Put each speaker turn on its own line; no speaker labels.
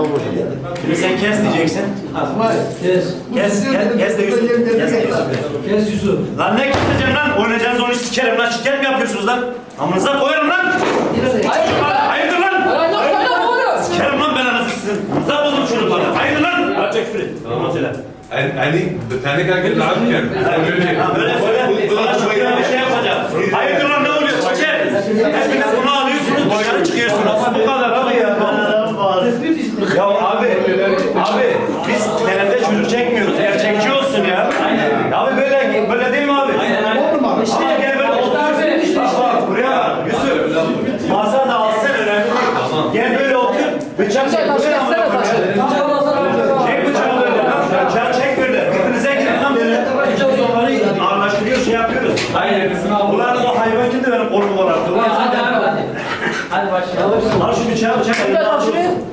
Şimdi sen kes diyeceksin. Kes de Yusuf.
Kes Yusuf.
Lan ne keseceğim lan? Oynayacağınız oyunu sikerim lan. Şeker mi yapıyorsunuz lan? Amınıza koyarım lan. Hayırdır lan? Sikerim lan ben anasını sizin. Amınıza buldum çocuklarla. Hayırdır lan? Açık free. Tamam söyle.
Yani tane kanka lağırken.
Böyle söyle. Sana çok bir şey yapacağım. Hayırdır lan ne oluyor? Şeker. Hepiniz bunu alıyorsunuz dışarı çıkıyorsunuz. Bu kadar abi ya. Ya abi biz genelde çocuk çekmiyoruz. Gerçekçi olsun ya. Abi böyle değil mi abi? Aynen. İşte gel böyle otur. Bak buraya bak. Yusuf. Masa da alsın önemli değil. Gel böyle otur. Bıçak çek. Çek bıçağı böyle. Bıçağı çek böyle. Birbirinize girin lan böyle. Anlaşılıyor şey yapıyoruz.
Hayır.
Ulan o hayvan kimdi benim kolumu kolardı?
Hadi başlayalım.
Al şu bıçağı.
Al şuraya.